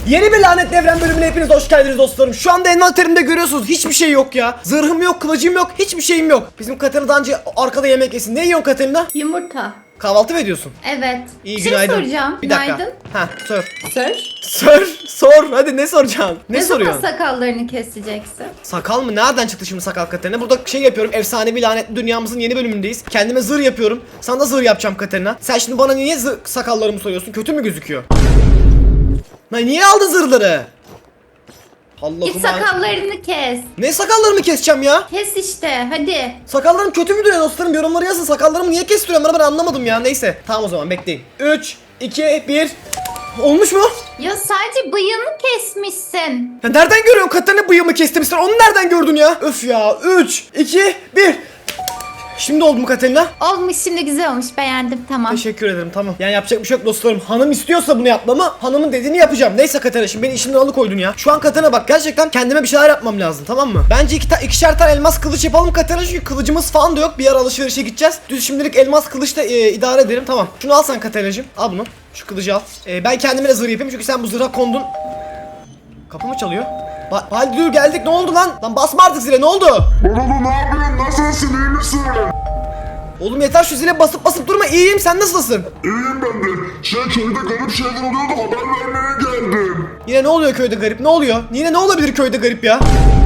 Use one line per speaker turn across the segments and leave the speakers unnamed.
Yeni bir Lanetli Evren bölümüne hepiniz hoş geldiniz dostlarım. Şu anda envanterimde görüyorsunuz hiçbir şey yok ya. Zırhım yok, kılıcım yok, hiçbir şeyim yok. Bizim Katerina daha önce arkada yemek yesin. Ne yiyorsun Katerina?
Yumurta.
Kahvaltı mı ediyorsun?
Evet.
İyi,
bir şey
günaydın.
soracağım.
Bir dakika.
Günaydın.
Ha, sor.
Sor.
Sor. Hadi ne soracaksın? Ne
zaman
soruyorsun?
sakallarını keseceksin?
Sakal mı? Nereden çıktı şimdi sakal Katerina? Burada şey yapıyorum. Efsanevi lanetli dünyamızın yeni bölümündeyiz. Kendime zırh yapıyorum. Sana da zırh yapacağım Katerina. Sen şimdi bana niye sakallarımı soruyorsun? Kötü mü gözüküyor? Lan niye aldın zırhları? Allah'ım.
Git sakallarını kes.
Ne sakallarımı keseceğim ya?
Kes işte hadi.
Sakallarım kötü mü duruyor dostlarım? Yorumlara yazın. Sakallarımı niye kestiriyorum? Ben anlamadım ya. Neyse. Tamam o zaman bekleyin. 3, 2, 1. Olmuş mu?
Ya sadece bıyığını kesmişsin.
Ya nereden görüyorsun? Katerina bıyığımı kestim. Sen onu nereden gördün ya? Öf ya. 3, 2, 1. Şimdi oldu mu Katerina?
Olmuş şimdi güzel olmuş beğendim tamam.
Teşekkür ederim tamam. Yani yapacak bir şey yok dostlarım. Hanım istiyorsa bunu yapmamı hanımın dediğini yapacağım. Neyse Katerina şimdi beni işimden alıkoydun ya. Şu an Katerina bak gerçekten kendime bir şeyler yapmam lazım tamam mı? Bence ikişer tane elmas kılıç yapalım Katerina çünkü kılıcımız falan da yok. Bir ara alışverişe gideceğiz. Düz şimdilik elmas kılıçla idare edelim tamam. Şunu al sen Katerina'cığım. Al bunu. Şu kılıcı al. Ben kendime de zırh yapayım çünkü sen bu zırha kondun. Kapı mı çalıyor? Baldi dur geldik ne oldu lan? Lan basma artık zile ne oldu?
Oğlum ne yapıyorsun? Nasılsın? İyi misin?
Oğlum yeter şu zile basıp durma iyiyim sen nasılsın?
İyiyim ben de. Köyde garip şeyler oluyordu haber vermeye geldim.
Yine ne oluyor köyde garip ne oluyor? Yine ne olabilir köyde garip ya?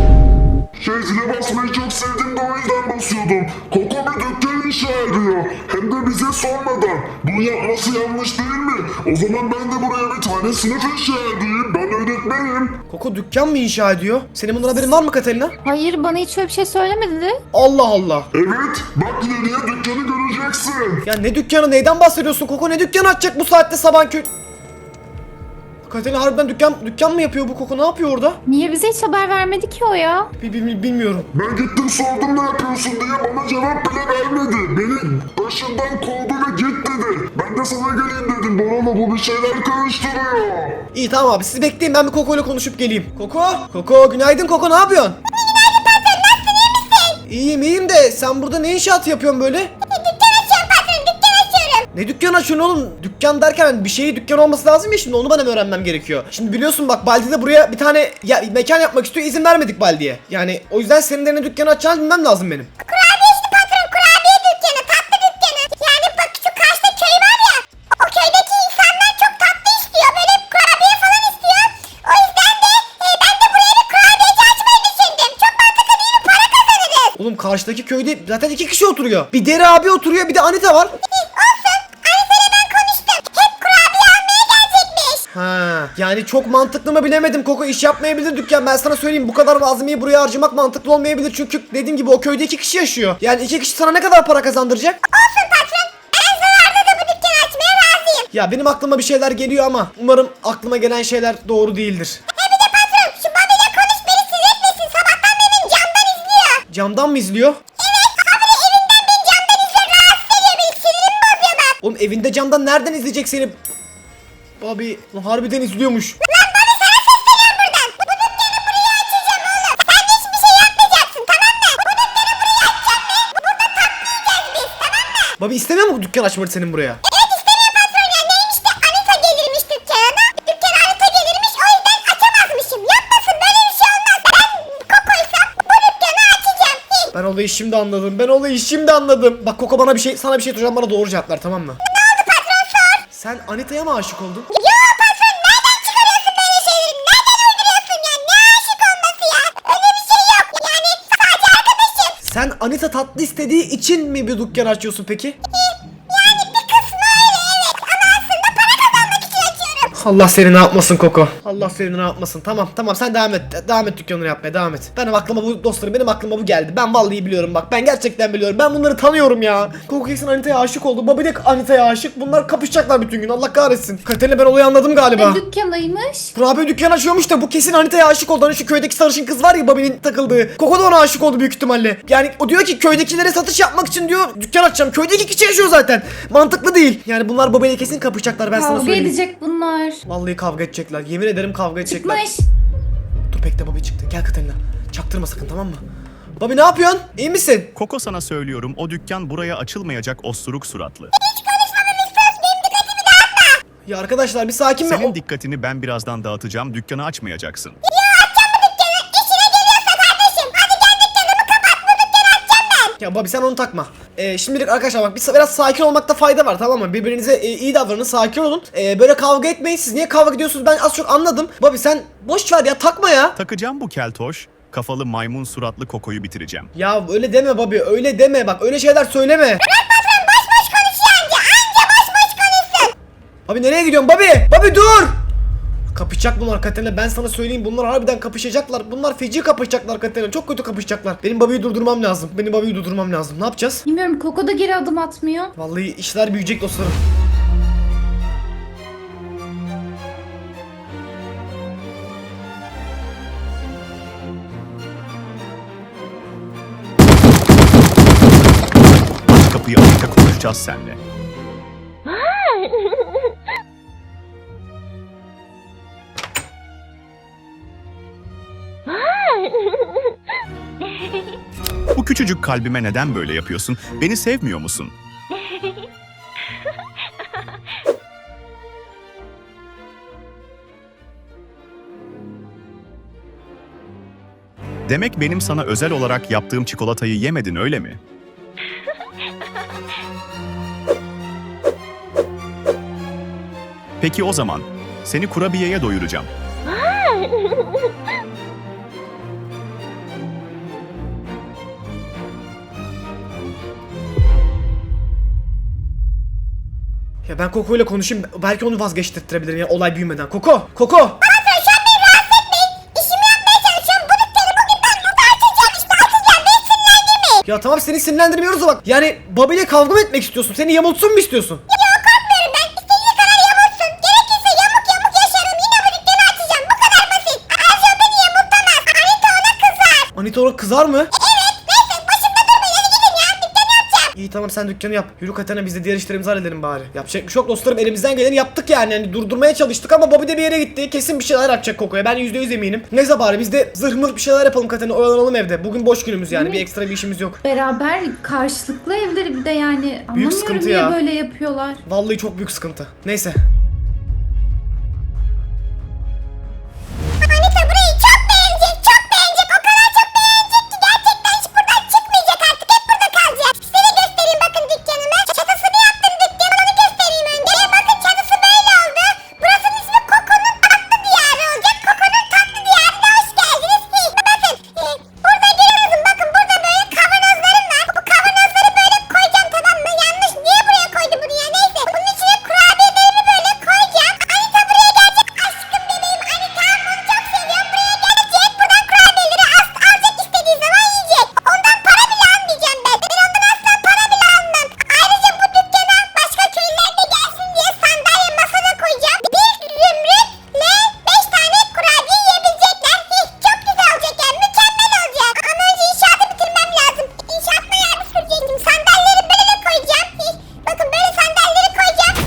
Zile basmayı çok sevdim de o yüzden basıyordum. Koko bir dükkan inşa ediyor. Hem de bize sormadan. Bunu yapması yanlış değil mi? O zaman ben de buraya bir tane sınıf inşa edeyim. Ben öğretmenim.
Koko dükkan mı inşa ediyor? Senin bundan haberin var mı Katerina?
Hayır bana hiç öyle bir şey söylemedi.
Allah Allah.
Evet, bak ileriye dükkanı göreceksin.
Ya ne dükkanı neyden bahsediyorsun Koko ne dükkanı açacak bu saatte sabah köy... Katerina harbiden dükkan mı yapıyor bu Koko ne yapıyor orada?
Niye bize hiç haber vermedi ki o ya?
Bilmiyorum.
Ben gittim sordum ne yapıyorsun diye bana cevap bile vermedi. Beni başından kovdu ve git dedi. Ben de sana geleyim dedim. Borolo bu bir şeyler karıştırıyor.
İyi tamam abi siz bekleyin ben bir Koko ile konuşup geleyim. Koko günaydın Koko ne yapıyorsun?
Günaydın patron nasılsın iyi misin?
İyiyim de sen burada ne inşaatı yapıyorsun böyle?
Dükkan açıyorum patron dükkan açıyorum.
Ne dükkan açıyorsun oğlum? Dükkan derken bir şeyi dükkan olması lazım ya şimdi onu bana öğrenmem gerekiyor. Şimdi biliyorsun bak Baldi de buraya bir tane mekan yapmak istiyor izin vermedik Baldi'ye. Yani o yüzden senin de ne dükkanı açacağını bilmem lazım benim.
Kurabiye işte patron kurabiye dükkanı tatlı dükkanı. Yani bak şu karşıda köy var ya. O köydeki insanlar çok tatlı istiyor. Böyle kurabiye falan istiyor. O yüzden de ben de buraya bir kurabiyeci açmayı düşündüm. Çok mantıklı değil mi? Para kazanırız.
Oğlum karşıdaki köyde zaten 2 kişi oturuyor. Bir Deri abi oturuyor bir de Anita var.
Olsun. Anita'yla ben konuştum. Hep kurabiye almaya gelecekmiş.
Ha, yani çok mantıklı mı bilemedim Koko iş yapmayabilir dükkan ben sana söyleyeyim bu kadar malzemeyi buraya harcamak mantıklı olmayabilir çünkü dediğim gibi o köyde 2 kişi yaşıyor. Yani 2 kişi sana ne kadar para kazandıracak?
Olsun patron. En zararda da bu dükkanı açmaya razıyım.
Ya benim aklıma bir şeyler geliyor ama umarım aklıma gelen şeyler doğru değildir.
Bir de patron şu Bobby'le konuş beni sinir etmesin. Sabahtan benim camdan izliyor.
Camdan mı izliyor? Oğlum evinde camdan nereden izleyecek seni? Bobby harbiden izliyormuş.
Lan Bobby sana sesleniyorum buradan. Bu dükkanı buraya açacağım oğlum. Sen hiçbir şey yapmayacaksın tamam mı? Bu dükkanı buraya açacağım ve burada tatlı yiyeceğiz biz tamam mı?
Bobby istemiyor mu bu dükkan açmanı senin buraya?
Evet istemiyor patron ya. Neymiş de Anita gelirmiş dükkana. Dükkana Anita gelirmiş o yüzden açamazmışım. Yapmasın böyle bir şey olmaz. Ben Koko'ysam bu dükkanı açacağım.
Ben olayı şimdi anladım. Bak Koko bana sana bir şey soracağım bana doğru cevap ver tamam mı?
Ne oldu patron sor.
Sen Anita'ya mı aşık oldun?
Yo patron nereden çıkarıyorsun böyle şeyleri? Nereden uyduruyorsun ya? Ne aşık olması ya? Öyle bir şey yok. Yani sadece arkadaşım.
Sen Anita tatlı istediği için mi bir dükkan açıyorsun peki?
Yani bir kısmı öyle evet. Ama aslında para kazanmak için açıyorum.
Allah seni ne yapmasın Koko. Allah seni ne yapmasın. Tamam sen devam et. Devam et dükkanını yapmaya devam et. Benim aklıma bu geldi. Ben vallahi biliyorum bak. Ben gerçekten biliyorum. Ben bunları tanıyorum ya. Koko kesin Anita'ya aşık oldu. Bobby de Anita'ya aşık. Bunlar kapışacaklar bütün gün. Allah kahretsin. Katerina ben olayı anladım galiba.
Dükkanıymış.
Kurabiye dükkan açıyormuş da bu kesin Anita'ya aşık oldu. Hani şu köydeki sarışın kız var ya Bobby'nin takıldığı. Koko da ona aşık oldu büyük ihtimalle. Yani o diyor ki köydekilere satış yapmak için diyor dükkan açacağım. Köyde 2 kişi yaşıyor zaten. Mantıklı değil. Yani bunlar Bobby'yle kesin kapışacaklar ben sana
Kavga
söyleyeyim.
edecek bunlar.
Vallahi kavga edecekler. Yemin ederim kavga edecekler.
Çıkmış.
Dur bekle Bobby çıktı. Gel Katerina. Çaktırma sakın tamam mı? Bobby ne yapıyorsun? İyi misin?
Koko sana söylüyorum o dükkan buraya açılmayacak osturuk suratlı.
Ya arkadaşlar bir sakin mi?
Senin dikkatini ben birazdan dağıtacağım. Dükkanı açmayacaksın.
Ya Bobby sen onu takma. Şimdilik arkadaşlar bak biraz sakin olmakta fayda var, tamam mı? Birbirinize iyi davranın, sakin olun. Böyle kavga etmeyin. Siz niye kavga ediyorsunuz ben az çok anladım. Bobby sen boş ver ya, takma ya.
Takacağım bu keltoş. Kafalı maymun suratlı Koko'yu bitireceğim.
Ya öyle deme Bobby, öyle deme, bak öyle şeyler söyleme.
Boş konuşuyor anca boş konuşsun.
Bobby nereye gidiyorsun Bobby? Bobby dur! Kapışacak bunlar Katerina, ben sana söyleyeyim, bunlar harbiden kapışacaklar. Bunlar feci kapışacaklar Katerina, çok kötü kapışacaklar. Benim Bobby'yi durdurmam lazım. Ne yapacağız?
Bilmiyorum, Koko da geri adım atmıyor.
Vallahi işler büyüyecek dostlarım.
Aç kapıyı, Anita, konuşacağız seninle. Bu küçücük kalbime neden böyle yapıyorsun? Beni sevmiyor musun? Demek benim sana özel olarak yaptığım çikolatayı yemedin, öyle mi? Peki o zaman seni kurabiyeye doyuracağım.
Ya ben Koko ile konuşayım, belki onu vazgeçtirtirebilirim ya, olay büyümeden. Koko! Koko! Ya tamam, seni sinirlendirmiyoruz da bak. Yani Bobby ile kavga mı etmek istiyorsun? Seni yamultsun mu istiyorsun?
Korkmuyorum ben. İstediği kadar yamulsun. Gerekirse yamuk yaşarım. Yine bu dükkanı açacağım. Bu kadar basit. Ayrıca o beni yamultamaz. Anita ona kızar.
Anita ona kızar mı?
Evet. Neyse başımda durmayın. Hadi gidin ya. Dükkanı yapacağım.
İyi tamam, sen dükkanı yap. Yürü Katerina, biz de diğer işlerimizi halledelim bari. Yapacak bir şey yok dostlarım, elimizden geleni yaptık yani. Yani durdurmaya çalıştık ama Bobby de bir yere gitti. Kesin bir şeyler yapacak Koko'ya, ben %100 eminim. Neyse bari biz de zırh mırh bir şeyler yapalım Katerina, oyalanalım evde. Bugün boş günümüz yani, bir ekstra bir işimiz yok.
Beraber karşılıklı evleri bir de yani. Anlamıyorum
sıkıntı
niye
ya.
böyle yapıyorlar.
Vallahi çok büyük sıkıntı. Neyse.
Anita burayı çok beğenecek. Çok beğenecek. O kadar çok beğenecek ki gerçekten hiç buradan çıkmayacak artık. Hep burada kalacak. Size göstereyim bakın dükkanımı. Çatısını yaptım dükkanı. Onu göstereyim önce. Bakın çatısı böyle oldu. Burasının ismi Koko'nun tatlı diyarı olacak. Koko'nun tatlı diyarına hoş geldiniz. Bakın. Burada görüyorsunuz. Bakın burada böyle kavanozlarım var. Bu kavanozları böyle koyacağım, tamam mı? Yanlış. Niye buraya koydu bunu ya? Neyse. Bunun içine kurabiyelerimi böyle koyacağım. Anita buraya gelecek. Aşkım bebeğim. Anita bunu çok seviyorum. Buraya gelecek. Buradan kurabiyeleri alacak, istediği zaman yiyecek. Ondan para bile almayacağım ben. Ben ondan asla para bile almam. Ayrıca bu dükkana başka köylüler de gelsin diye sandalye masada koyacağım. Bir zümrütle 5 tane kurabiye yiyebilecekler. Çok güzel olacak yani. Mükemmel olacak. Ama önce inşaatı bitirmem lazım. İnşaatına yer sürecektim. Sandalyeleri böyle koyacağım. Bakın böyle sandalyeleri koyacağım.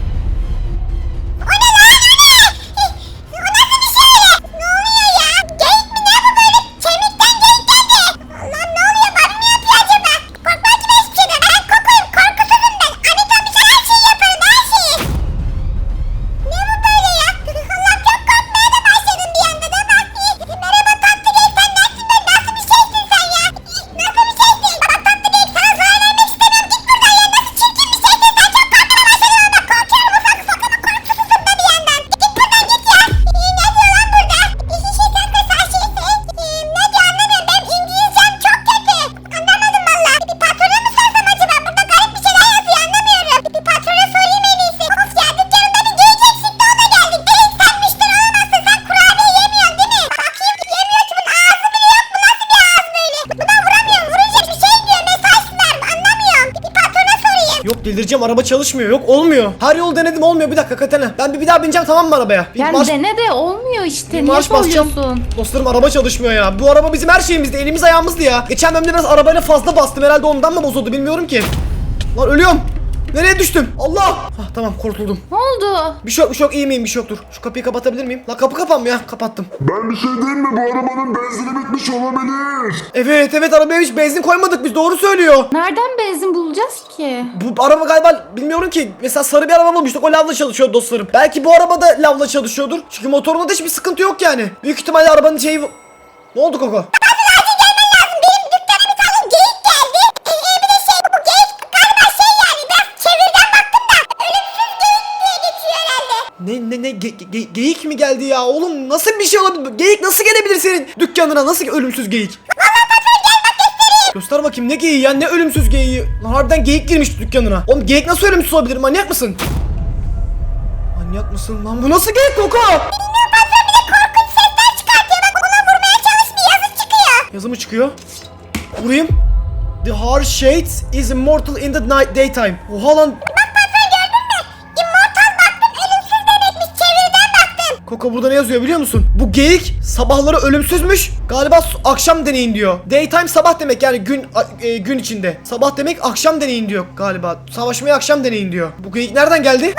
O ne lan? O nasıl bir şey? Ne oluyor ya? Geyik mi ne bu böyle? Kemikten geyik geldi. Lan ne oluyor? Bana mı yapıyor acaba? Korkmam ki ben hiçbir şeyden. Ben Koko'yum. Korkusuzum ben. Anita bir şey, her şeyi yaparım. Her şeyi. Ne bu böyle ya? Allah, çok korkmaya da başladım bir anda da. Bak. Merhaba tatlı geyik. Sen nesin be? Nasıl bir şeysin sen ya? Nasıl bir şeysin? Bak tatlı geyik, sana zarar vermek istemiyorum. Git buradan ya. Nasıl çirkin bir şeysin? Sen çok korkmaya başladın ama korkuyorum ufak ufak ama korkusuzum da bir yandan. Git buradan git ya. Ne diyor lan burada? Şey kanka sen şeysin. Ne diyor anlamıyorum. Benim İngilizcem çok kötü. Anlamadım valla. Bir patrona mı sorsam acaba? Burada garip bir şeyler yazıyor, anlamıyorum. Bir patrona sorayım en iyisi. Of ya, dükkanımda bir geyik eksikti, ona geldik. Geyik sen müşteri olamazsın. Sen kurabiye yemiyorsun değil mi? Bakayım, yemiyor ki, bunun ağzı bile yok. Bu nasıl bir ağız böyle? Buna vuramıyorum. Vurunca bir şey diyor. Mesaj ver. Anlamıyorum. Bir patrona sorayım.
Yok delireceğim, araba çalışmıyor, yok olmuyor. Her yol denedim, olmuyor. Bir dakika Katerina, ben bir daha bineceğim, tamam mı arabaya? Bir
Yani
marş-
dene de olmuyor işte.
bir
Niye
marş basacağım.
soruyorsun?
Dostlarım araba çalışmıyor ya. Bu araba bizim her şeyimizdi, elimiz ayağımızdı ya. Geçen bölümde biraz arabayla fazla bastım, herhalde ondan mı bozuldu bilmiyorum ki. Lan ölüyorum. Nereye düştüm? Allah! Hah, tamam kurtuldum.
Ne oldu?
Bir şey yok, bir şey yok. İyi miyim? Bir şey yoktur. Şu kapıyı kapatabilir miyim? La kapı kapanmıyor. Kapattım.
Ben bir şey diyeyim mi? Bu arabanın benzini bitmiş olabilir.
Evet arabaya hiç benzin koymadık biz. Doğru söylüyor.
Nereden benzin bulacağız ki?
Bu araba galiba bilmiyorum ki. Mesela sarı bir araba bulmuştuk. O lavla çalışıyor dostlarım. Belki bu araba da lavla çalışıyordur. Çünkü motorunda da hiçbir sıkıntı yok yani. Büyük ihtimalle arabanın şeyi... Ne oldu Koko? Ne geyik mi geldi ya oğlum, nasıl bir şey olabilir? Geyik nasıl gelebilir senin dükkanına, nasıl ölümsüz geyik? Göster bakayım ne geyiği ya, ne ölümsüz geyiği. Lan harbiden geyik girmiş dükkanına. Oğlum geyik nasıl ölümsüz olabilir, manyak mısın? Manyak mısın lan, bu nasıl geyik Koko? Yazı mı çıkıyor? Vurayım. The harsh shades is immortal in the night daytime. Oha lan. Koko burada ne yazıyor biliyor musun? Bu geyik sabahları ölümsüzmüş. Galiba akşam deneyin diyor. Daytime sabah demek, yani gün içinde. Sabah demek akşam deneyin diyor galiba. Savaşmaya akşam deneyin diyor. Bu geyik nereden geldi?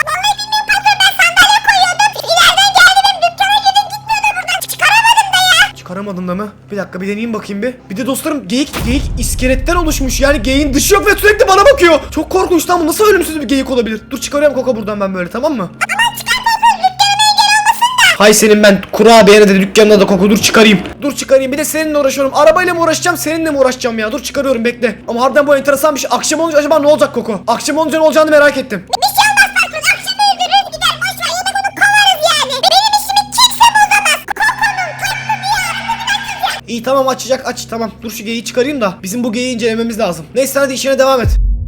Çıkaramadım da mı? Bir dakika bir deneyeyim bakayım bir. Bir de dostlarım geyik iskeletten oluşmuş. Yani geyiğin dışı yok ve sürekli bana bakıyor. Çok korkunç lan, bu nasıl ölümsüz bir geyik olabilir? Dur çıkarıyorum Koko buradan ben böyle, tamam mı? Hay senin ben kurabiyene de dükkanına da Koko, dur çıkarayım. Dur çıkarayım, bir de seninle uğraşıyorum. Arabayla mı uğraşacağım, seninle mi uğraşacağım ya? Dur çıkarıyorum, bekle. Ama harbiden bu enteresan bir şey. Akşam olunca acaba ne olacak Koko? Akşam olunca ne olacağını merak ettim. İyi tamam, aç tamam. Dur şu geyiği çıkarayım da bizim bu geyiği incelememiz lazım. Neyse hadi işine devam et.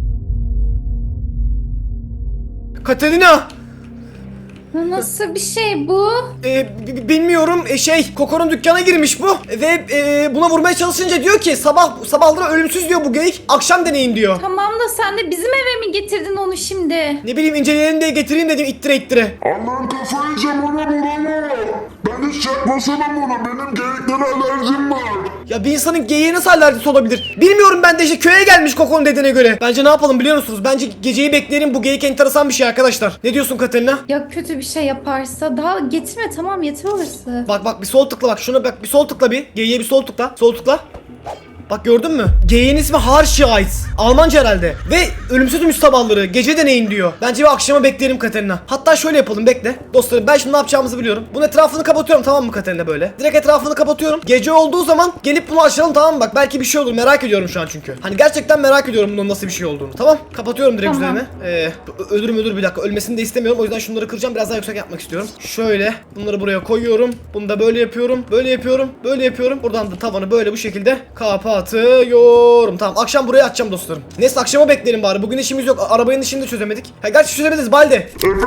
Katerina!
Nasıl bir şey bu?
Bilmiyorum, Koko'nun dükkana girmiş bu ve buna vurmaya çalışınca diyor ki sabahları ölümsüz diyor bu geyik, akşam deneyin diyor.
Tamam da sen de bizim eve mi getirdin onu şimdi?
Ne bileyim, inceleyelim diye getireyim dedim, ittire.
Allah'ım kafayı yiyeceğim, ona vurama. Ben hiç yaklaşamam ona, benim geyiklere alerjim var.
Ya bir insanın geyiğe nasıl alerjisi olabilir? Bilmiyorum, ben de işte köye gelmiş Koko'nun dediğine göre. Bence ne yapalım biliyor musunuz? Bence geceyi bekleyelim, bu geyik enteresan bir şey arkadaşlar. Ne diyorsun Katerina?
Ya kötü bir şey yaparsa daha getirme, tamam yeter orası.
Bak bir sol tıkla, bak şuna bak, bir sol tıkla, bir geyiğe bir sol tıkla. Sol tıkla. Bak gördün mü? Geyiğin ismi Harsheids. Almanca herhalde. Ve ölümsüzmüş sabahları. Gece deneyin diyor. Bence bir akşama bekleyelim Katerina. Hatta şöyle yapalım, bekle. Dostlarım ben şimdi ne yapacağımızı biliyorum. Bunun etrafını kapatıyorum, tamam mı Katerina böyle? Direkt etrafını kapatıyorum. Gece olduğu zaman gelip bunu açalım, tamam mı? Bak belki bir şey olur, merak ediyorum şu an çünkü. Hani gerçekten merak ediyorum bunun nasıl bir şey olduğunu. Tamam? Kapatıyorum direkt
Tamam.
üzerine. Ölür bir dakika. Ölmesini de istemiyorum. O yüzden şunları kıracağım. Biraz daha yüksek yapmak istiyorum. Şöyle. Bunları buraya koyuyorum. Bunu da böyle yapıyorum. Böyle yapıyorum. Buradan da tavanı böyle bu şekilde kapatıyorum. Tamam, akşam buraya açacağım dostlarım. Neyse akşama bekleyelim bari. Bugün işimiz yok. Arabanın işini de çözemedik. Ha gerçi çözebiliriz Balde.
Efendim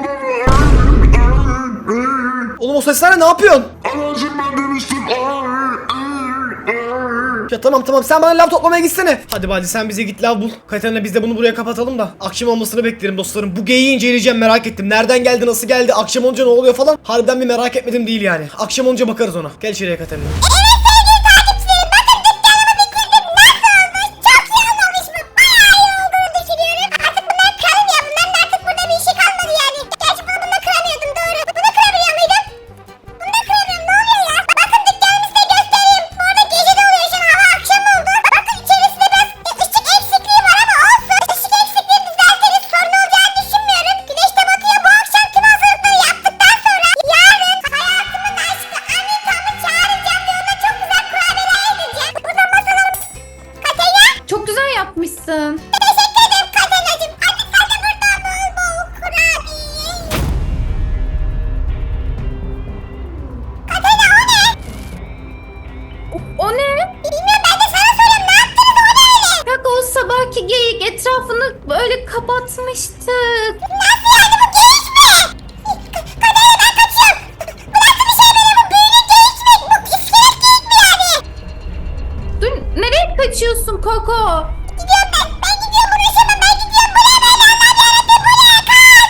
Oğlum o sesler ne yapıyorsun?
alerjim ben demiştim.
Ya tamam sen bana lav toplamaya gitsene. Hadi Balde sen bize git lav bul. Katerina biz de bunu buraya kapatalım da akşam olmasını beklerim dostlarım. Bu geyiği inceleyeceğim, merak ettim. Nereden geldi, nasıl geldi, akşam olunca ne oluyor falan. Harbiden bir merak etmedim değil yani. Akşam olunca bakarız ona. Gel içeriye Katerina.
Çok güzel yapmışsın. O ne?
Bilmiyorum, ben de sana soruyorum, ne yaptınız, o ne öyle?
Bak o sabahki geyik etrafını böyle kapatmıştık.
Nasıl yani, bu geyik mi? Kaderine ben kaçıyorum. Bu nasıl bir şey böyle, bu büyülü geyik mi? Bu iskelet geyik mi yani?
Dur, nereye kaçıyorsun Koko?
Gidiyorum ben gidiyorum, uğraşamam, ben gidiyorum. Bu ne böyle, Allah'ım yarabbim, bu ne?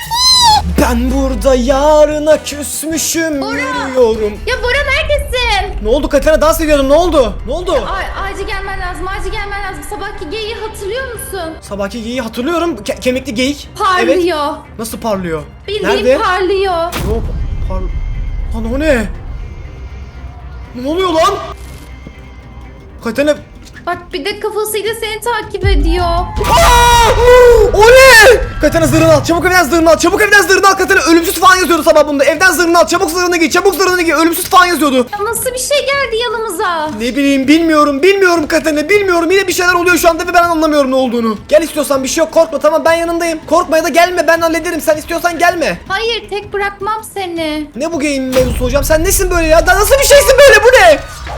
Kaç!
Ben burada yarına küsmüşüm,
Bora!
yürüyorum.
Ya Bora neredesin?
Ne oldu Katerina, dans ediyordum, ne oldu? Ne oldu?
Acil gelmen lazım. Acil gelmen lazım. Sabahki geyiği hatırlıyor musun?
Sabahki geyiği hatırlıyorum. Kemikli geyik. Evet.
Parlıyor.
Nasıl parlıyor?
Bildiğin
Nerede?
parlıyor.
Yok. Lan o ne? Ne oluyor lan? Katerina...
Bak bir de kafasıyla seni takip ediyor.
Aa! O ne? Katerina zırhını al. Çabuk evden zırhını al. Çabuk evden zırhını al Katerina. Ölümsüz falan yazıyordu sabah bunda. Evden zırhını al. Çabuk zırhını giy. Çabuk zırhını giy. Ölümsüz falan yazıyordu.
Ya nasıl bir şey geldi yanımıza?
Ne bileyim, bilmiyorum. Bilmiyorum Katerina. Bilmiyorum. Yine bir şeyler oluyor şu anda ve ben anlamıyorum ne olduğunu. Gel istiyorsan, bir şey yok. Korkma, tamam, ben yanındayım. Korkma ya da gelme, ben hallederim. Sen istiyorsan gelme.
Hayır, tek bırakmam seni.
Ne bu game mevzusu hocam? Sen nesin böyle ya? Nasıl bir şeysin böyle? Bu ne?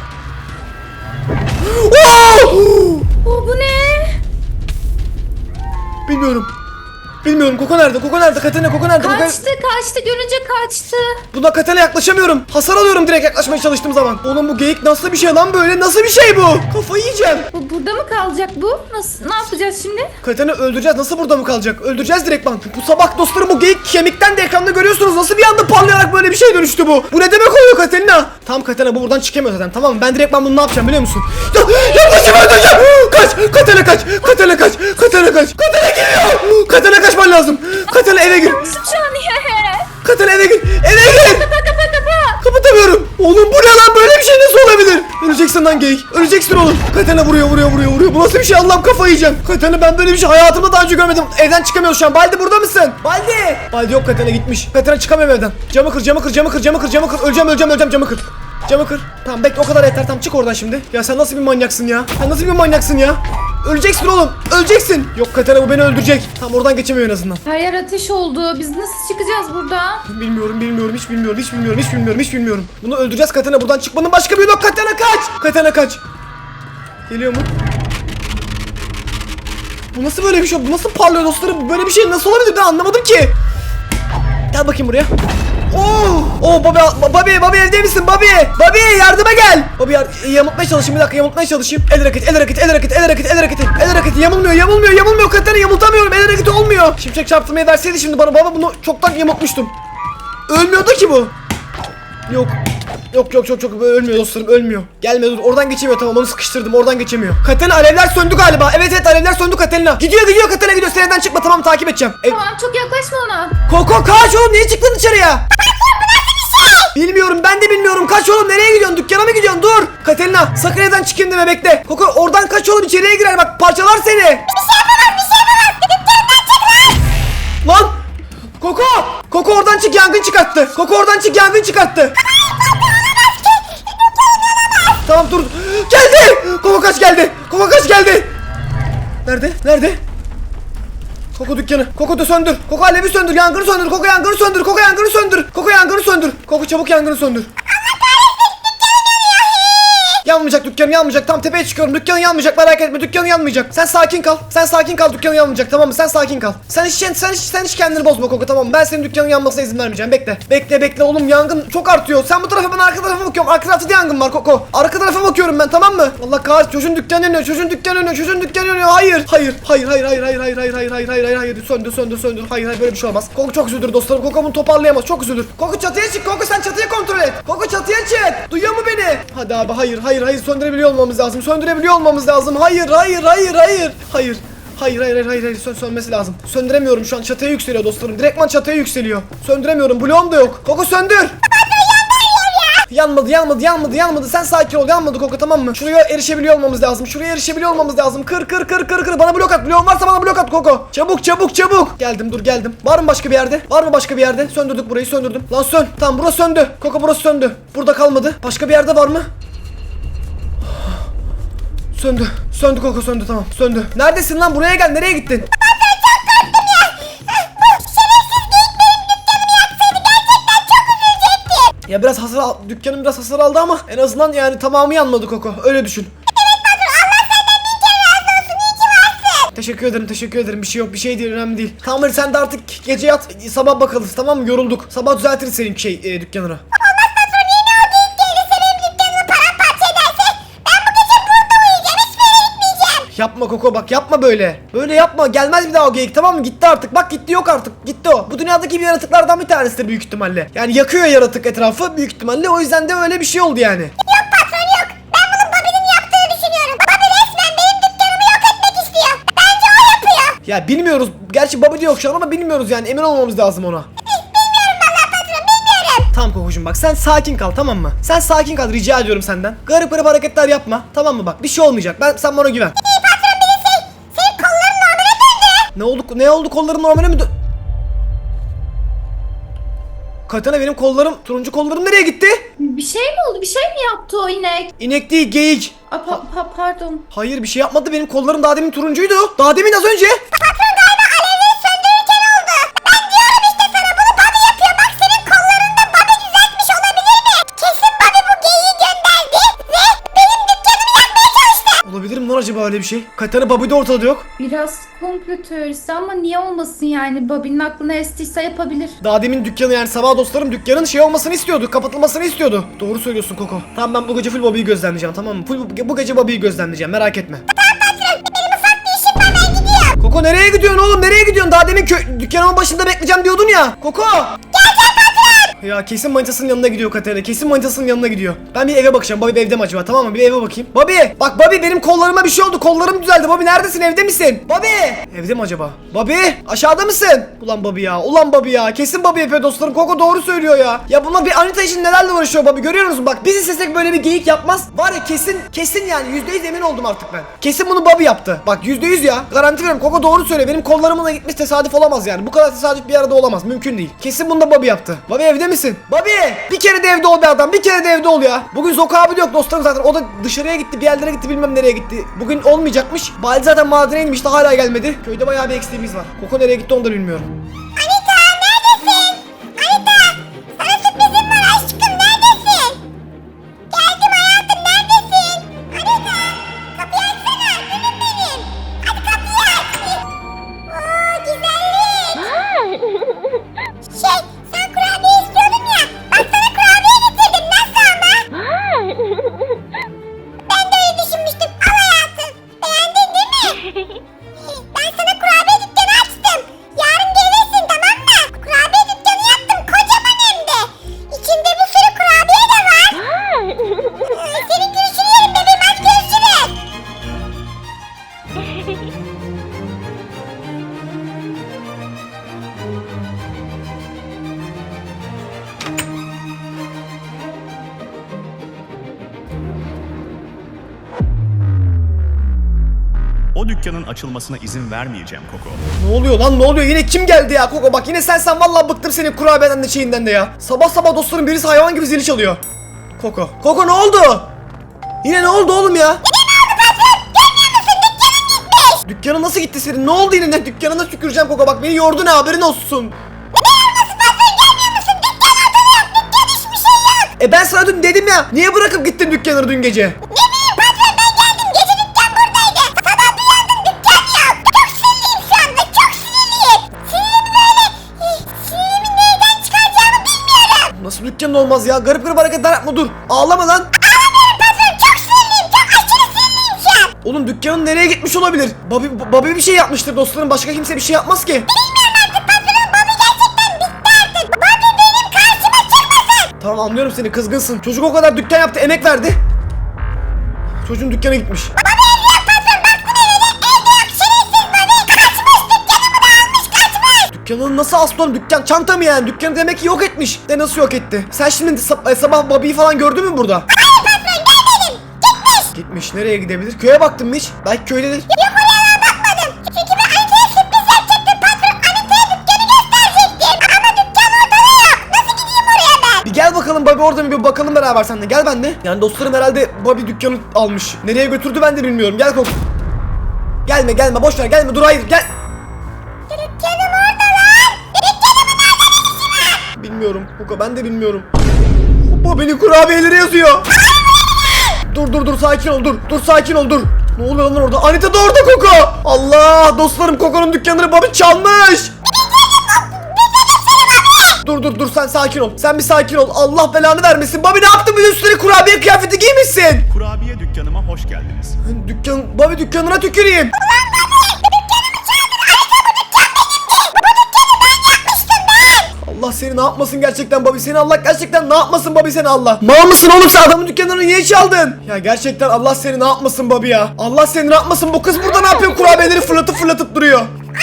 Oo!
Bu ne?
Bilmiyorum. Bilmiyorum. Koko nerede? Koko nerede? Katerina, Koko nerede?
Kaçtı, görünce kaçtı.
Buna Katerina yaklaşamıyorum. Hasar alıyorum direkt yaklaşmaya çalıştığım zaman. Oğlum bu geyik nasıl bir şey lan böyle? Nasıl bir şey bu? Kafayı yiyeceğim.
Burada mı kalacak bu? Ne yapacağız şimdi?
Katerina öldüreceğiz. Nasıl burada mı kalacak? Öldüreceğiz direkt lan. Bu sabah dostlarım, bu geyik kemikten de ekranda görüyorsunuz. Nasıl bir anda parlayarak böyle bir şey dönüştü bu? Bu ne demek oluyor Katerina? Tamam Katerina, bu buradan çıkamıyor zaten. Tamam mı? Ben direkt bunu ne yapacağım biliyor musun? Yaklaşım öldüreceğim. Kaç. Katerina kaç. Katerina kaç. Katerina kaç. Katerina geliyor. Katerina kaçman lazım. Katerina eve gir.
Şu an
Katerina eve gir. Eve gir.
Kapa.
Kapatamıyorum. Oğlum bu ne lan, böyle bir şey nasıl olabilir? Öleceksin lan geyik. Öleceksin oğlum. Katerina vuruyor. Bu nasıl bir şey, Allah'ım kafayı yiyeceğim. Katerina, ben böyle bir şey hayatımda daha önce görmedim. Evden çıkamıyoruz şu an. Baldi burada mısın? Baldi. Baldi yok, Katerina gitmiş. Katerina çıkamıyorum evden. Camı kır. Öleceğim camı kır. Camı kır. Tamam bekle, o kadar yeter. Tamam çık oradan şimdi. Ya sen nasıl bir manyaksın ya? Öleceksin oğlum. Öleceksin. Yok Katerina, bu beni öldürecek. Tamam oradan geçemiyor en azından.
Her yer ateş oldu. Biz nasıl çıkacağız buradan?
Hiç bilmiyorum. Bunu öldüreceğiz Katerina. Buradan çıkmanın başka bir yolu yok. Katerina kaç. Geliyor mu? Bu nasıl böyle bir şey? Bu nasıl parlıyor dostlarım? Böyle bir şey nasıl olabilir? Ben anlamadım ki. Gel bakayım buraya. Bobby evde misin? Bobby yardıma gel. Bobby yamultmaya çalışayım, bir dakika. El hareketi. Yamulmuyor Katerina, yamultamıyorum. El hareketi olmuyor. Şimşek çarptırmayı verseydi şimdi bana, baba bunu çoktan yamultmuştum. Ölmüyordu ki bu. Yok ölmüyor dostlarım, ölmüyor. Gelme, dur, oradan geçemiyor, tamam, onu sıkıştırdım, oradan geçemiyor. Katerina, alevler söndü galiba. Evet alevler söndü Katerina. Gidiyor Katerina, gidiyor. Sen evden çıkma, tamam, takip edeceğim.
Tamam, çok yaklaşma ona.
Koko kaç oğlum, niye çıktın dışarıya? Bilmiyorum, ben de bilmiyorum. Kaç oğlum, nereye gidiyorsun? Dükkana mı gidiyorsun? Dur. Katerina, sakın evden çıkayım deme, bekle. Koko oradan kaç oğlum, içeriye girer bak, parçalar seni. Bir şey yapamaz. Dükkandan çık lan. Koko oradan çık, yangın çıkarttı. Tamam dur. Geldi. Koko kaç geldi. Nerede? Koko dükkanı. Koko da söndür. Koko alevi söndür. Yangını söndür. Koko yangını söndür. Koko çabuk yangını söndür. Yanmayacak, dükkanım yanmayacak. Tam tepeye çıkıyorum. Dükkanın yanmayacak, merak etme. Dükkanın yanmayacak. Sen sakin kal. Dükkanın yanmayacak, tamam mı? Sen sakin kal. Sen hiç kendini bozma Koko, tamam mı? Ben senin dükkanın yanmasına izin vermeyeceğim. Bekle oğlum, yangın çok artıyor. Sen bu tarafa, ben arka tarafa bakıyorum. Arka tarafta da yangın var Koko. Arka tarafa bakıyorum ben, tamam mı? Allah kahretsin, çocuğun dükkanı yanıyor. Hayır. Söndür. Hayır, böyle bir şey olmaz. Koko çok üzülür dostlarım. Koko bunu toparlayamaz. Çok üzülür. Koko çatıya çık. Koko sen çatıyı kontrol et. Koko çatıya çık. Duyuyor mu beni? Hadi abi, hayır. Söndürebiliyor olmamız lazım. Hayır. Sönmesi lazım. Söndüremiyorum şu an. Çatıya yükseliyor dostlarım. Direktman çatıya yükseliyor. Söndüremiyorum. Bloğum da yok. Koko söndür. Yanmadı. Sen sakin ol. Yanmadı Koko, tamam mı? Şuraya erişebiliyor olmamız lazım. Kır. Bana blok at. Bloğun varsa bana blok at Koko. Çabuk. Geldim. Var mı başka bir yerde? Söndürdük burayı, söndürdüm. Lan sön. Tamam, burası söndü. Koko, burası söndü. Burada kalmadı. Başka bir yerde var mı? Söndü Koko, söndü, tamam, söndü. Neredesin lan? Buraya gel, nereye gittin? Ya biraz hasar al, dükkanım biraz hasar aldı ama en azından yani tamamı yanmadı Koko, öyle düşün. Teşekkür ederim. Bir şey yok, bir şey değil, önemli değil. Tamam hadi sen de artık gece yat, sabah bakarız, tamam mı? Yorulduk. Sabah düzeltiriz senin dükkanını. Yapma Koko, bak yapma böyle. Böyle yapma, gelmez bir daha o geyik, tamam mı? Gitti artık, bak gitti, yok artık, gitti o. Bu dünyadaki bir yaratıklardan bir tanesidir büyük ihtimalle. Yani yakıyor yaratık etrafı büyük ihtimalle, o yüzden de öyle bir şey oldu yani. Yok Ya bilmiyoruz. Gerçi Bobby de yok şu an ama bilmiyoruz yani. Emin olmamız lazım ona.
Bilmiyorum valla patron bilmiyorum.
Tamam Kokocuğum bak sen sakin kal tamam mı? Sen sakin kal rica ediyorum senden. Garip garip hareketler yapma. Tamam mı bak bir şey olmayacak. Sen bana güven.
İyi patron bir de senin kolların normale döndü.
Ne oldu kolların normale mi Katana benim kollarım, turuncu kollarım nereye gitti?
Bir şey mi oldu? Bir şey mi yaptı o inek?
İnek değil geyik.
Pardon.
Hayır bir şey yapmadı benim kollarım daha demin turuncuydu. Daha demin az önce.
Patron galiba alevleri söndürürken oldu. Ben diyorum işte sana bunu Bobby yapıyor. Bak senin kollarında Bobby düzeltmiş olabilir mi? Kesin Bobby bu geyiği gönderdi ve benim dükkanımı yakmaya çalıştı.
Olabilir mi lan acaba öyle bir şey? Katana Bobby de ortada yok.
Biraz komplo teorisi ama niye olmasın yani? Bobby'nin aklına estiyse yapabilir.
Daha demin dükkanı yani sabah dostlarım dükkanın şey olmasını istiyordu. Kapatılmasını istiyordu. Doğru söylüyorsun Koko. Tamam ben bu gece full Bobby'yi gözlemleyeceğim tamam mı? Bu gece Bobby'yi gözlemleyeceğim merak etme.
Benim ufak bir işim var ben gidiyorum.
Koko nereye gidiyorsun oğlum nereye gidiyorsun? Daha demin dükkanımın başında bekleyeceğim diyordun ya. Koko. Ya kesin manitasının yanına gidiyor Katerina. Kesin manitasının yanına gidiyor. Ben bir eve bakacağım. Bobby evde mi acaba? Tamam mı? Bir eve bakayım. Bobby! Bak Bobby benim kollarıma bir şey oldu. Kollarım düzeldi. Bobby neredesin? Evde misin? Bobby! Evde mi acaba? Bobby! Aşağıda mısın? Ulan Bobby ya. Ulan Bobby ya. Kesin Bobby yapıyor dostlarım. Koko doğru söylüyor ya. Ya bunlar bir Anita için nelerle uğraşıyor Bobby. Görüyor musun? Bak biz istesek böyle bir geyik yapmaz. Var ya kesin yani %100 emin oldum artık ben. Kesin bunu Bobby yaptı. Bak %100 ya. Garanti veriyorum. Koko doğru söylüyor. Benim kollarımla gitmiş tesadüf olamaz yani. Bu kadar tesadüf bir arada olamaz. Mümkün değil. Kesin bunu da Bobby yaptı. Bobby evde misin? Bobby! Bir kere de evde ol be adam. Bir kere de evde ol ya. Bugün Zoka abi de yok dostlarım zaten. O da dışarıya gitti. Bir yerlere gitti. Bilmem nereye gitti. Bugün olmayacakmış. Bali zaten madene inmişti. Hala gelmedi. Köyde bayağı bir eksiğimiz var. Koko nereye gitti onu da bilmiyorum.
Anita neredesin? Anita sana sürprizim var aşkım neredesin? Geldim hayatım neredesin? Anita kapıyı açsana gülüm benim. Hadi kapıyı aç. Oo güzellik. Sen kurabiye istiyordun ya. Bak sana kurabiye getirdim nasıl ama? Ben de öyle düşünmüştüm. Al hayatım. Beğendin değil mi? Ben sana kurabiye dükkanı açtım. Yarın gelirsin tamam mı? Kurabiye dükkanı yaptım kocaman hem de. İçinde bir sürü kurabiye de var. Senin gülüşünü yerim bebeğim hadi görüşürüz.
O dükkanın açılmasına izin vermeyeceğim Koko.
Ne oluyor lan ne oluyor? Yine kim geldi ya Koko? Bak yine sen vallahi bıktım senin kurabiyeden de şeyinden de ya. Sabah sabah dostlarım birisi hayvan gibi zili çalıyor. Koko. Koko ne oldu? Yine ne oldu oğlum ya? Dükkanın nasıl gitti senin? Ne oldu yine? Dükkanına tüküreceğim Koko. Bak beni yordu ne haberin olsun. Ben sana dün dedim ya. Niye bırakıp gittin dükkanı dün gece?
Ne bileyim patron ben geldim gece dükkan buradaydı. Sabah bir uyandım dükkan yok. Çok sinirliyim şu anda çok sinirliyim. Sinirimi nereden çıkaracağımı bilmiyorum.
Nasıl dükkanın olmaz ya? Garip garip hareketler yapma dur. Ağlama lan.
Ağlamıyorum patron çok sinirliyim çok aşırı sinirliyim şu an.
Oğlum dükkanın nereye gitmiş olabilir? Bobby bir şey yapmıştır dostlarım. Başka kimse bir şey yapmaz ki.
Bilmiyorum artık patron Bobby gerçekten bitti artık. Bobby benim karşıma çıkmasın.
Tamam anlıyorum seni kızgınsın. Çocuk o kadar dükkan yaptı emek verdi. Çocuğun dükkana gitmiş.
Bobby evde yok patron baktım evde yok şerefsiz Bobby. Kaçmış dükkanımı da almış kaçmış.
Dükkanın nasıl aslı oğlum? Dükkan çanta mı yani? Dükkanı demek ki yok etmiş. De nasıl yok etti? Sen şimdi sabah Bobby'yi falan gördün mü burada?
Hayır patron görmedim. Gitmiş.
Gitmiş. Nereye gidebilir? Köye baktın mı hiç? Belki köydedir.
Yok oraya bakmadım. Çünkü ben Anita'ya sürpriz yapacaktım patron. Anita'ya dükkanı gösterecektim. Ama dükkan ortada yok. Nasıl gideyim oraya ben?
Bir gel bakalım Bobby orada mı bir bakalım beraber seninle. Gel ben de. Yani dostlarım herhalde Bobby dükkanı almış. Nereye götürdü ben de bilmiyorum. Gel Koko. Gelme boş ver gelme dur hayır gel.
Dükkanım orada lan. Dükkanımın nerede ne işi var?
Bilmiyorum Koko ben de bilmiyorum. Bobby'nin kurabiyeleri yazıyor. Dur sakin ol dur sakin ol dur. Ne oluyor lan orada? Anita da orada Koko. Allah dostlarım Koko'nun dükkanını Bobby çalmış. Dur sen sakin ol. Sen bir sakin ol. Allah belanı vermesin. Bobby ne yaptın? Bir de üstüne kurabiye kıyafeti giymişsin.
Kurabiye dükkanıma hoş geldiniz.
Bobby dükkanına tüküreyim. Allah seni ne yapmasın gerçekten Bobby seni Allah gerçekten ne yapmasın Bobby seni Allah. Mal mısın oğlum sen adamın dükkanını niye çaldın? Ya gerçekten Allah seni ne yapmasın Bobby ya. Allah seni ne yapmasın bu kız burada ne yapıyor kurabiyeleri fırlatıp duruyor.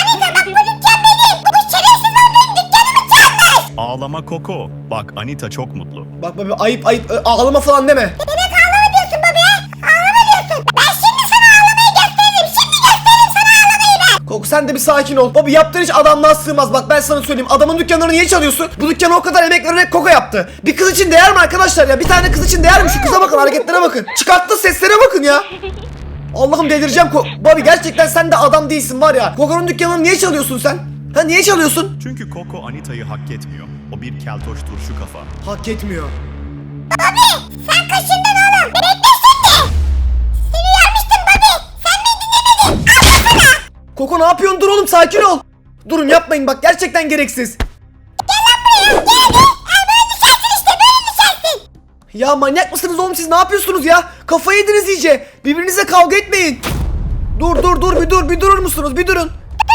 Ağlama Koko. Bak Anita çok mutlu.
Bak Bobby, ayıp ayıp, ağlama falan deme.
Demek ağlama diyorsun baba ya. Ağlama diyorsun. Ben şimdi sana ağlamayı gösteririm. Şimdi gösteririm sana ağlamayı ben.
Koko sen de bir sakin ol. Bobby yaptığın iş adamlığa sığmaz. Bak ben sana söyleyeyim. Adamın dükkanlarını niye çalıyorsun? Bu dükkanı o kadar emek vererek Koko yaptı. Bir kız için değer mi arkadaşlar ya? Bir tane kız için değer mi? Şu kıza bakın, hareketlere bakın. Çıkarttığı seslere bakın ya. Allah'ım delireceğim. Bobby gerçekten sen de adam değilsin var ya. Koko'nun dükkanını niye çalıyorsun sen? Ha niye çalıyorsun?
Çünkü Koko Anita'yı hak etmiyor. O bir keltoş turşu kafa.
Hak etmiyor.
Sen kaşındın oğlum. Bekle şimdi. Seni uyarmıştım Bobby. Sen beni dinlemedin. Al sana.
Koko ne yapıyorsun? Dur oğlum, sakin ol. Durun yapmayın bak, gerçekten gereksiz.
Gel hadi. Böyle düşersin işte. Böyle düşersin.
Ya manyak mısınız oğlum, siz ne yapıyorsunuz ya? Kafayı yediniz iyice. Birbirinizle kavga etmeyin. Dur bir durur musunuz? Bir durun.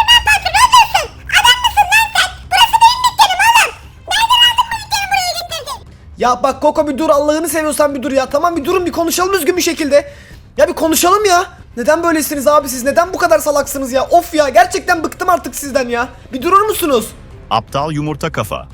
Ya bak Koko bir dur, Allah'ını seviyorsan bir dur ya. Tamam bir durun, bir konuşalım düzgün bir şekilde. Ya bir konuşalım ya. Neden böylesiniz abi siz? Neden bu kadar salaksınız ya? Of ya, gerçekten bıktım artık sizden ya. Bir durur musunuz?
Aptal yumurta kafa.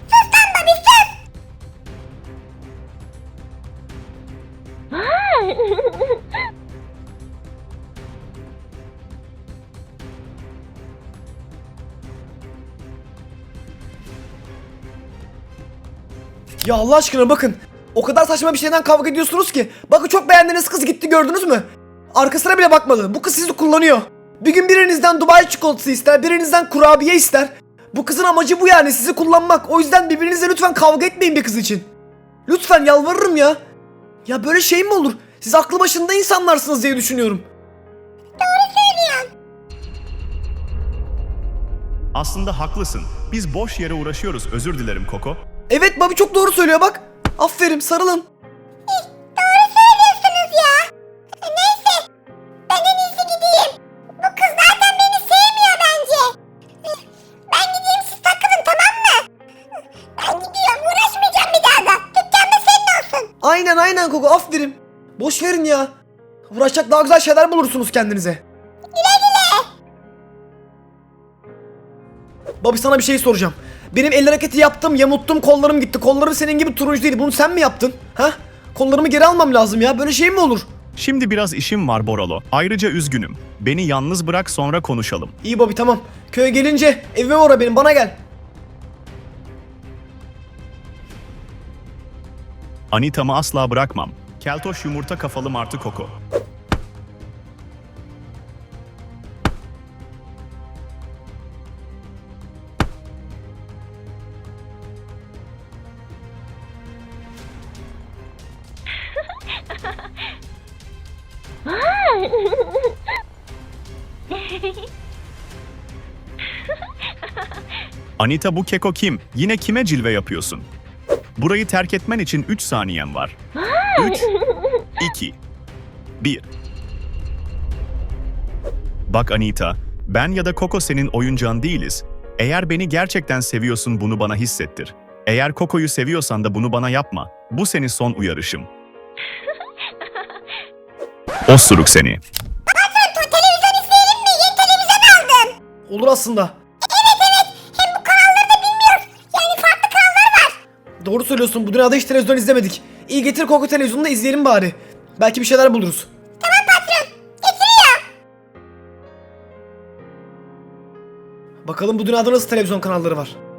Ya Allah aşkına bakın. O kadar saçma bir şeyden kavga ediyorsunuz ki. Bakın çok beğendiğiniz kız gitti, gördünüz mü? Arkasına bile bakmadı. Bu kız sizi kullanıyor. Bir gün birinizden Dubai çikolatası ister, birinizden kurabiye ister. Bu kızın amacı bu yani, sizi kullanmak. O yüzden birbirinizle lütfen kavga etmeyin bir kız için. Lütfen yalvarırım ya. Ya böyle şey mi olur? Siz aklı başında insanlarsınız diye düşünüyorum.
Aslında haklısın. Biz boş yere uğraşıyoruz. Özür dilerim Koko.
Evet Bobby çok doğru söylüyor bak. Aferin, sarılın.
Doğru söylüyorsunuz ya. Neyse. Ben en iyisi gideyim. Bu kız zaten beni sevmiyor bence. Ben gideyim, siz takılın, tamam mı? Ben gidiyorum. Uğraşmayacağım bir daha da. Dükkan da senin olsun.
Aynen Koko, aferin. Boş verin ya. Uğraşacak daha güzel şeyler bulursunuz kendinize.
Güle güle.
Bobby sana bir şey soracağım. Benim el hareketi yaptım, yamulttum, kollarım gitti. Kollarım senin gibi turuncu değil. Bunu sen mi yaptın? Ha? Kollarımı geri almam lazım ya. Böyle şey mi olur?
Şimdi biraz işim var Boralo. Ayrıca üzgünüm. Beni yalnız bırak, sonra konuşalım.
İyi Bobby, tamam. Köye gelince evime uğra benim, bana gel.
Anita'mı asla bırakmam. Keltoş yumurta kafalı martı Koko. Anita, bu keko kim? Yine kime cilve yapıyorsun? Burayı terk etmen için 3 saniyen var. 3, 2, 1. Bak Anita, ben ya da Koko senin oyuncağın değiliz. Eğer beni gerçekten seviyorsun, bunu bana hissettir. Eğer Koko'yu seviyorsan da bunu bana yapma. Bu senin son uyarışım. Osuruk seni.
Televizyon izleyelim mi? Yeni televizyon aldım.
Olur aslında.
Hem bu kanalları da bilmiyoruz. Yani farklı kanallar var.
Doğru söylüyorsun. Bu dünyada hiç televizyon izlemedik. İyi, getir Koko televizyonunu da izleyelim bari. Belki bir şeyler buluruz.
Tamam patron. Getiriyor.
Bakalım bu dünyada nasıl televizyon kanalları var.